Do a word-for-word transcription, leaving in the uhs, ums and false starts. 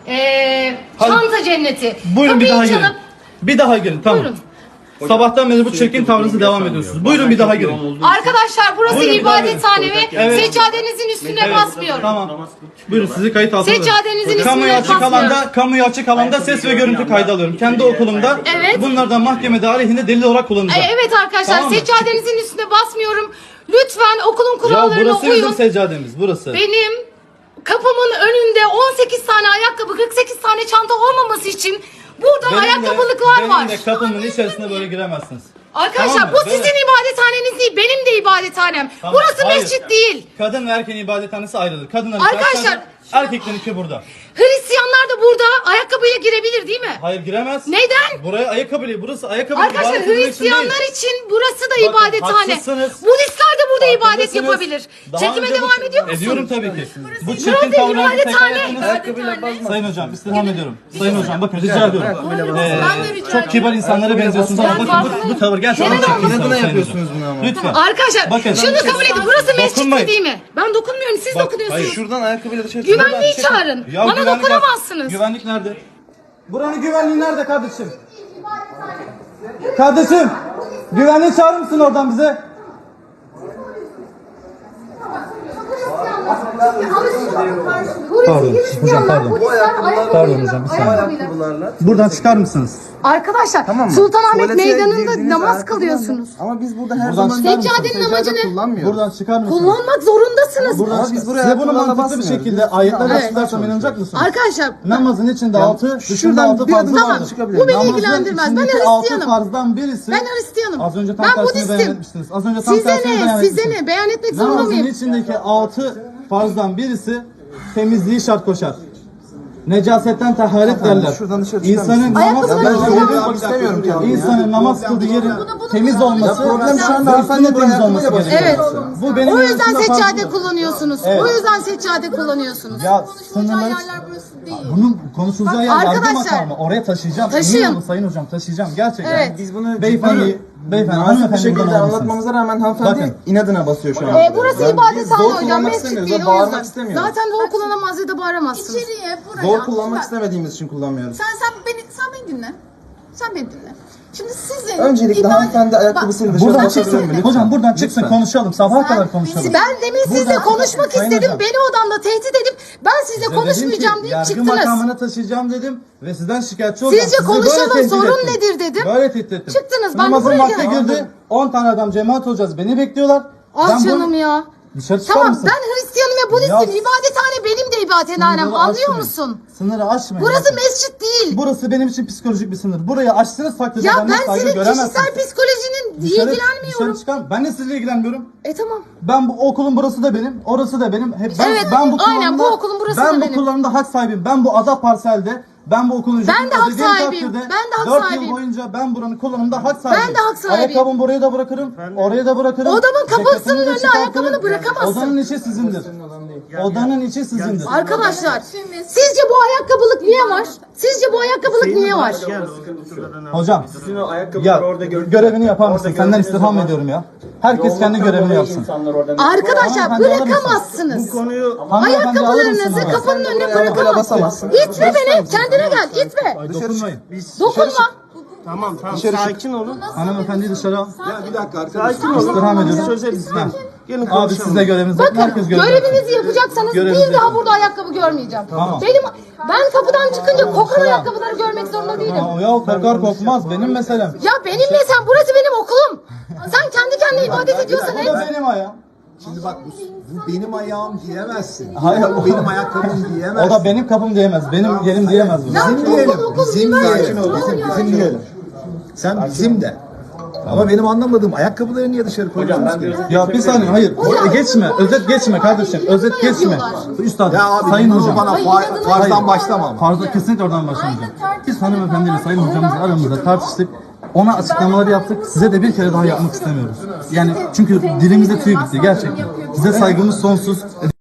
Ee, Hadi. çanta cenneti. Buyurun bir Kapıyı daha girin. çalıp- Bir daha girin tamam. Buyurun. Sabahtan beri bu çirkin tavrınızı devam ediyorsunuz. Buyurun bir daha girin. Arkadaşlar burası Buyurun, bir daha ibadethane ve Evet. seccadenizin üstüne Evet, basmıyorum. Tamam. Buyurun sizi kayıt altına alıyorum. Seccadenizin Kamuya üstüne açık basmıyorum. alanda, kamuya açık alanda ses ve görüntü kaydı alıyorum. Kendi okulumda Evet. bunlardan mahkemede aleyhinde delil olarak kullanacağım. Ee, evet arkadaşlar Tamam mı? seccadenizin üstüne basmıyorum. Lütfen okulun Ya kurallarına burası uyun. bizim seccademiz burası. Benim kapımın önünde on sekiz tane ayakkabı, kırk sekiz tane çanta olmaması için burada Benim de- ayakkabılıklar benim var. de kapımın içerisine böyle giremezsiniz. Arkadaşlar Tamam mı? bu sizin Böyle- ibadethaneniz değil, benim de ibadethanem. Tamam, Burası hayır. mescit değil. Kadın ve erkeğin ibadethanesi ayrıdır. Kadınların Arkadaşlar- içerisi, erkeklerinki burada. Hristiyanlar da burada ayakkabıyla girebilir değil mi? Hayır giremez. Neden? Buraya ayakkabı, burası ayakkabı. Arkadaşlar ibadet edilmek için Hristiyanlar değil. için burası da Bakın, ibadethane. haklısınız. Budistler de burada ibadet Haklısınız. yapabilir. Daha Çekime önce bu- devam ediyor musun? Ediyorum tabii ki. Bu Burası çirkin tavrınızı tekrar ibadethane. ettiniz. Sayın hocam istirham ediyorum. Sayın hocam bakın rica ediyorum. Ee, Ben de rica çok kibar insanlara benziyorsunuz ama Ben bakın farklı- bu, bu tavır gerçekten Neden çirkin olmasın? tavır Neden Sayın yapıyorsunuz hocam. bunu ama? Lütfen. Arkadaşlar Bakın. şunu kabul edin. Burası mescit Dokunmayın. değil mi? Ben dokunmuyorum. Siz Bak, dokunuyorsunuz. hayır, Şuradan ayakkabıyla dışarı Güvenliği Çekin. çağırın. Ya Bana güvenlik- dokunamazsınız. Güvenlik nerede? Buranın güvenliği nerede kardeşim? Kardeşim, güvenliği çağırır mısın oradan bize? Pardon, hocam pardon. Pardon hocam, bir saniye. Buradan çıkar mısınız? Arkadaşlar Tamam mı? Sultanahmet Tuvalete Meydanı'nda girdiğiniz namaz ayakkabılarla- kılıyorsunuz. Ama biz burada her Buradan zaman çıkar mısınız? Seccadenin amacı ne? kullanmıyoruz. Buradan çıkar mısınız? Kullanmak zorundasınız. Buradan Ama çıkar. biz buraya Size bunu ayakkabılarla mantıklı bir basmıyoruz. şekilde Biz- ayetlerle Evet. açıklarsam inanacak mısınız? Arkadaşlar Namazın içinde altı, dışında şuradan altı bir farzı adım vardır. tamam, çıkabilir. bu beni Namazın ilgilendirmez. Ben içindeki altı Hristiyanım. farzdan birisi. Ben Hristiyanım. Az önce tam Ben tersini Budistim. beyan etmiştiniz. Az önce tam Size tersini beyan ne? Size etmiştiniz. ne? Beyan etmek zorunda Namazın mıyım? içindeki altı farzdan birisi temizliği şart koşar. Necasetten taharet derler. şuradan dışarı çıkar İnsanın mısın? namaz Ayakkabılarını kıldığı çıkar yerin, mısın? İstemiyorum ki abi. insanın namaz kıldığı yerin temiz olması, Ya problem şu anda ve hanımefendi üstünün buraya temiz olması ayakkabıyla gerekiyor. basıyor. Bu benim O yüzden arasında seccade farklı. kullanıyorsunuz. Evet. O yüzden seccade kullanıyorsunuz. Ya Konuşulacağı sınırları... yerler burası değil. Bunun konuşulacağı Bak, yer yargı arkadaşlar, makamı. Oraya taşıyacağım. taşıyın. Emin olun sayın hocam taşıyacağım. Gerçekten. Evet. Biz bunu Beyefendi, beyefendi, nazik bir hanımefendi şekilde buradan almışsınız. anlatmamıza rağmen hanımefendi Bakın. inadına basıyor şu an. Ee, burası Yani biz ibadethane zor hocam. kullanmak Mescit istemiyoruz değil ve o bağırmak yüzden. istemiyoruz. Zaten dua kullanamaz ya da bağıramazsınız. İçeriye, buraya. Zor kullanmak Bak, istemediğimiz için kullanmıyoruz. Sen sen beni sen beni dinle. Sen beni dinle. Şimdi sizin Öncelikle ibadet- hanımefendi ayakkabısıyla dışarı Buradan basabilir çıksın. mi? Lütfen. Hocam buradan çıksın konuşalım. Sabaha kadar konuşalım. Ben demin sizle Buradan- konuşmak Sayın istedim. hocam. Beni odamda tehdit edip ben sizle Size konuşmayacağım dedim ki, deyip yargı çıktınız. makamına taşıyacağım dedim ve sizden şikayetçi olacağım. Sizce Sizi böyle konuşalım, tehdit sorun ettim. nedir dedim. Böyle tehdit ettim. Çıktınız, ben de Namazın buraya vakti geldim. girdi. on tane adam cemaat olacağız. Beni bekliyorlar. Ah Ben bu- canım ya. Dışarı çıkar Tamam mısın? ben Hristiyanım ve Budistim. Ya- İbadethane benim de ibadethanem. Sınırları Anlıyor aşmayın. musun? Sınırı aşmayın. Burası Bakın. mescit değil. Burası benim için psikolojik bir sınır. Burayı aştığınız takdirde Ya benden ben saygı senin göremezsiniz. kişisel psikolojinin Dışarı- ilgilenmiyorum. Dışarı çıkan, ben de sizinle ilgilenmiyorum. E tamam. Ben bu okulun burası da benim, orası da benim. Hep ben, Evet, ben bu aynen, bu kullanımda- okulun burası ben da bu benim. kullanımda hak sahibiyim. Ben bu ada parselde, ben bu okulun ücretini Ben de hak ödediğim sahibiyim. takdirde Ben de hak dört sahibiyim. yıl boyunca ben buranın kullanımda hak sahibiyim. de hak sahibiyim. Ayakkabımı buraya da bırakırım, oraya da bırakırım. Odamın kapısının Ceketimi de önüne çıkartırım. ayakkabını bırakamazsın. Odanın içi sizindir. Odanın içi sizindir. Arkadaşlar sizce bu ayakkabılık niye var? Sizce bu ayakkabılık niye var? Hocam, Sizin o ayakkabıları ya orada gördük. görevini yapar mısın? Orada Senden gördüğünüz istirham zaman ediyorum ya. Herkes kendi yolluktan görevini dolayı yapsın. insanlar orada- Arkadaşlar Hanımefendi alır mısın? bırakamazsınız. Bu konuyu Hanımefendi alır Ayakkabılarınızı mısın onu? kapının önüne ayakkabıyla bırakamazsınız. basamazsın. İtme beni. Kendine gel. İtme. Ay, dokunmayın. Dokunma. tamam tamam Dışarı çık. sakin olun. Hanımefendiyi dışarı al. Bir dakika Sakin olun. İstirham ediyorum. Çözeriz. Ha. Gelin Abi konuşalım. siz de görevinizi yapın. Bakın Herkes görevini yapsın. görevinizi yapacaksanız Görevinizi bir daha yapın. burada ayakkabı görmeyeceğim. Tamam. Benim ben kapıdan çıkınca kokan ayakkabıları görmek zorunda değilim. Ha, ya kokar kokmaz benim meselem. Ya benim ne sen burası benim okulum. Sen kendi kendine ibadet ediyorsan Bu et. da benim ayağım. Şimdi bak bu, bu benim ayağım diyemezsin. Hayır. Bu benim ayakkabım O diyemezsin. da benim kapım diyemez. Benim yerim diyemez bunu. Ya Bizim okul diyelim. okul Bizim üniversite. diyelim. Tamam Bizim, ya. bizim diyelim. Sen bizim de. Ama benim anlamadığım ayakkabıları niye dışarı koyuyorsunuz ki? Ya bir saniye hayır. O- geçme. Özet geçme kardeşim. Özet geçme. Üstad. Ya abi sayın bunu hocam. bana fa- farzdan başlama ama. Farzda kesinlikle oradan başlamayacağım. Biz hanımefendiyle sayın hocamızla aramızda tartıştık. Ona açıklamaları yaptık. Size de bir kere daha yapmak istemiyoruz. Yani çünkü dilimizde tüy bitti gerçekten. Size saygımız sonsuz.